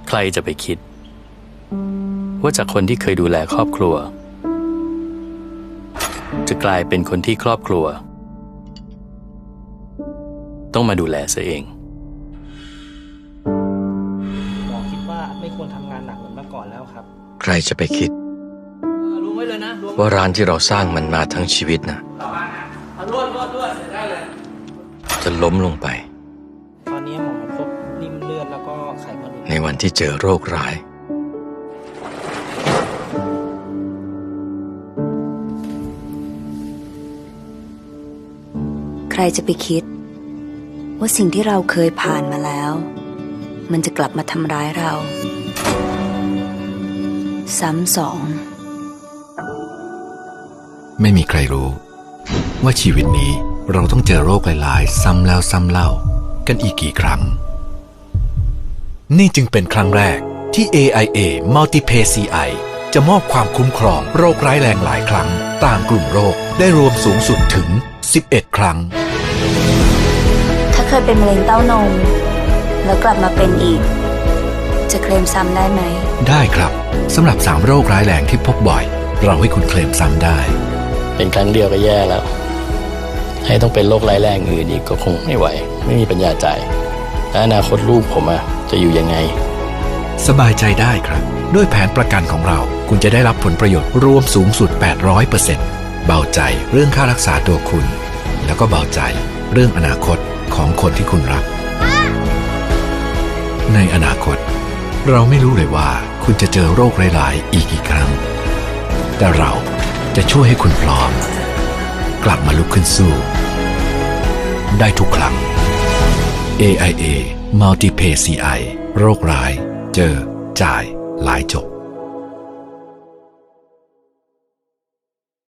ใครจะไปคิดว่าจากคนที่เคยดูแลครอบครัวจะกลายเป็นคนที่ครอบครัวต้องมาดูแลซะเองหมอคิดว่าไม่ควรทำงานหนักเหมือนเมื่อก่อนแล้วครับใครจะไปคิดรวมไว้เลยนะรวมว่าร้านที่เราสร้างมันมาทั้งชีวิตนะรวดได้เลยจะล้มลงไปตอนนี้หมอพบริ่มเลือดแล้วก็ไขมันในวันที่เจอโรคร้ายใครจะไปคิดว่าสิ่งที่เราเคยผ่านมาแล้วมันจะกลับมาทำร้ายเราซ้ำสองไม่มีใครรู้ว่าชีวิตนี้เราต้องเจอโรคหลายๆซ้ำแล้วซ้ำเล่ากันอีกกี่ครั้งนี่จึงเป็นครั้งแรกที่ AIA Multipay CI จะมอบความคุ้มครองโรคร้ายแรงหลายครั้งตามกลุ่มโรคได้รวมสูงสุดถึง11 ครั้งถ้าเคยเป็นมะเร็งเต้านมแล้วกลับมาเป็นอีกจะเคลมซ้ำได้ไหมได้ครับสำหรับ3โรคร้ายแรงที่พบบ่อยเราให้คุณเคลมซ้ำได้เป็นครั้งเดียวก็แย่แล้วให้ต้องเป็นโรคร้ายแรงอื่นอีกก็คงไม่ไหวไม่มีปัญญาจ่ายและอนาคตลูกผมจะอยู่ยังไงสบายใจได้ครับด้วยแผนประกันของเราคุณจะได้รับผลประโยชน์รวมสูงสุด 800% เบาใจเรื่องค่ารักษาตัวคุณแล้วก็เบาใจเรื่องอนาคตของคนที่คุณรักในอนาคตเราไม่รู้เลยว่าคุณจะเจอโรคร้ายๆอีกกี่ครั้งแต่เราจะช่วยให้คุณพร้อมกลับมาลุกขึ้นสู้ได้ทุกครั้ง AIA Multipay CI โรคร้ายเจอจ่ายหลายจบ